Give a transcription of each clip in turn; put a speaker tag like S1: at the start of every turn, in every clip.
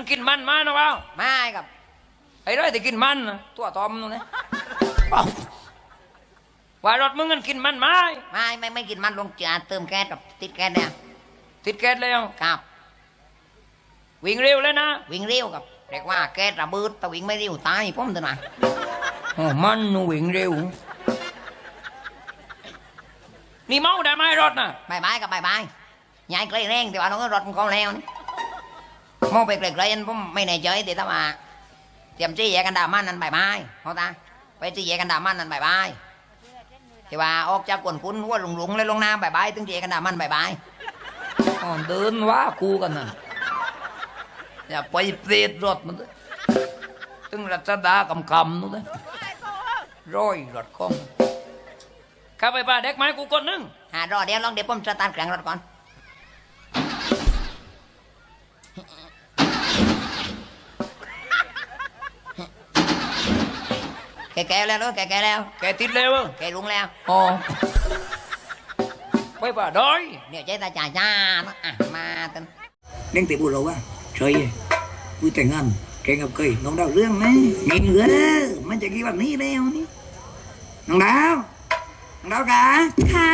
S1: กินมันมานะเปล่า
S2: ไม่ครับ
S1: ไอ้ร้อยที่กินมันน่ะ
S2: ตัวตอมนู่นนะ
S1: ว่ารถมึงกันกินมันไหม
S2: ไม่กินมันลงจ่าเติมแก๊สกับติดแก๊สเนี่ย
S1: ติดแก๊สแล้ว
S2: ครับ
S1: วิ่งเร็วเลยนะ
S2: วิ่งเร็วครับเรียกว่าแก๊สระเบิดแต่วิ่งไม่เร็วตายผมตัวน่ะ
S1: อ๋อมันนูวิ่งเร็วนี่เมาได้ไหมรถน่ะ
S2: บายกับบายยายไกลแรงแต่ว่าน้องรถมันก็แล้วนี่มองไปไกลๆผมไม่แน่ใจแต่ถ้าว่าเตรียมจี้แยกันดามันนั่นบายเขาตาไปจี้แยกันดามันนั่นบายแต่ว่าออกจากกวนคุ้นหัวหลงเลยลงน้ำบายถึงจี้แยกันดามันบาย
S1: อ๋อเดินว่ากูกันน่ะอย่าไปเปรตรถมันด้วยตึงรัชดากำนู่นเลยร้อยรถคงข้าไปป่าเด็กไม้กูคนนึง
S2: รอเดี๋ยวลองเดี๋ยวผมสตาร์ทเครื่องรถก่อนแกแล้วลูกแกแล้ว
S1: แกติดเร็ว
S2: แกลุงแล้ว
S1: อ๋อไปป่าดอย
S2: เนี่ยใจตาจ่าจ้ามาตึน
S3: เล่นตีบุเราว่าเฉยกูแต่งงานแกงกับเคยน้องดาวเรื่องไหมเงี้ยเหงือเด้อมันจะกี่วันนี้แล้วนี่น้องดาวกะค่ะ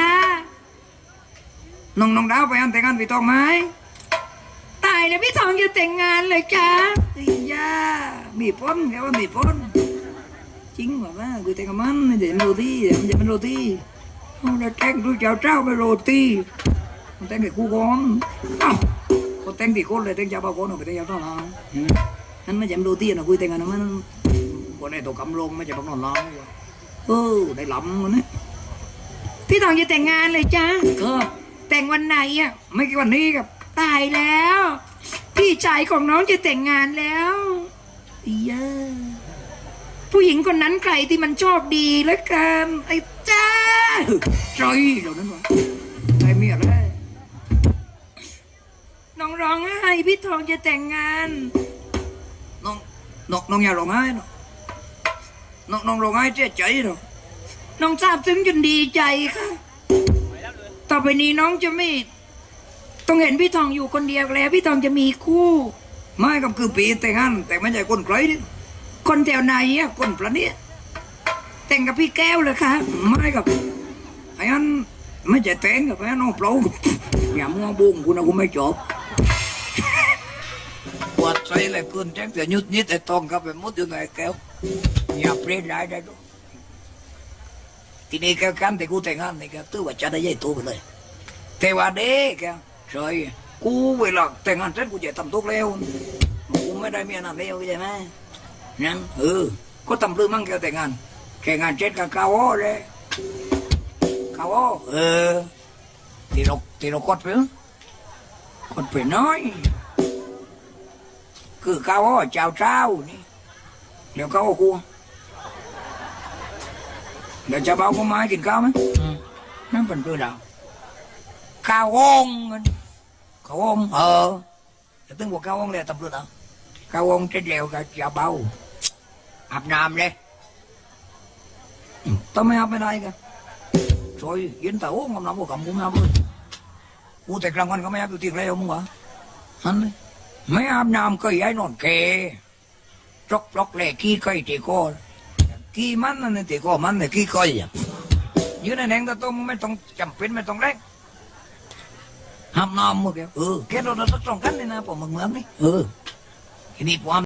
S3: น้องดาวไปอันแต่งงานพี่ตองไหมตายแล้วพี่ทองจะแต่งงานเลยจ้าอีย่ามีพ้นแค่ว่ามีพ้นจริงว่าว่ากูแต่งกับมันไม่ใช่โรตีมันจะเป็นโรตีเอาละแต่งดูเจ้าไปโรตีมันแต่งกับกูก่อนเอ้าก็แต่งที่คนเลยแต่งเจ้าบ้าคนเอาไปแต่งเจ้าต้องเอานั่นไม่ใช่โรตีนะคุยแต่งกันมันคนในตัวกำลงไม่ใช่พวกนอนน้องได้หลำมันเนี่ยพี่ทองจะแต่งงานเลยจ้าก็แต่งวันไหนอ่ะไม่กี่วันนี้ครับตายแล้ว พี่ชายของน้องจะแต่งงานแล้วเยอะผู้หญิงคนนั้นใครที่มันโชคดีแล้วกันไอ้จ้าใจเหล่านั้นวะใจเมียเลยน้องร้องไห้พี่ทองจะแต่งงานน้องอย่าร้องไห้น้องร้องไห้เจ๊ใจหรอน้องทราบซึ้งจนดีใจค่ะต่อไปนี้น้องจะไม่ต้องเห็นพี่ทองอยู่คนเดียวแล้วพี่ทองจะมีคู่ไม่กับคือปีแต่งงานแต่ไม่ใช่คนไกลนี่คนแถวไหนอ่ะคนประเนี้ยแต่งกับพี่แก้วเลยค่ะไม่กับไอ้อันไม่ใช่แต่งกับไอ้น้องเปล่าอย่ามัวบุ้งกูนะกูไม่จบปวดใจเลยคุณแจ้งแต่ยุดนิดแต่ตองกับไปมุดอยู่ไหนแก้วอย่าเปลี่ยนได้ได้ด้วยทีนี้แกกันแต่กูแต่งงานนี่แกตื้อว่าจะได้ใหญ่โตไปเลยแต่ว่าเด็กแกใช่กูเวลาแต่งงานเสร็จกูจะทำทุกแล้วกูไม่ได้เมียนั่นแล้วใช่ไหมนั่นก็ทำเรื่องมั่งแกแต่งงานแข่งงานเจ็ดกับกาวเลยกาวที่เรากดไปน้อยคือกาวเจ้านี่เดี๋ยวกาวกูเดี๋ยวจะเบาก็มากินข้าวไหมนั่นเป็นตัวดาวข้าวองจะตึงบอกข้าวองเลยตำรวจเอาข้าวองเจ็ดเหลวกับจะเบาอาบน้ำเลยต้องไม่อาบไม่ได้กันโอยยินแต่โอ้งำน้ำกูกับมึงอาบเลยกูแต่กลางวันก็ไม่อาบอยู่ที่ไรมึงวะฮันไม่อาบน้ำก็ย้ายนอนเกจกเลยขี้ไก่ตีก้อนกี่มันนั่นตีก็มันเนี่ยกี่ก้อยยืนในแหงตะต้มไม่ต้องจำเป็นไม่ต้องแรงห้ามน้ำมึงแกแค่เราต้องกันเลยนะผมมึงนี่ทีนี้ผม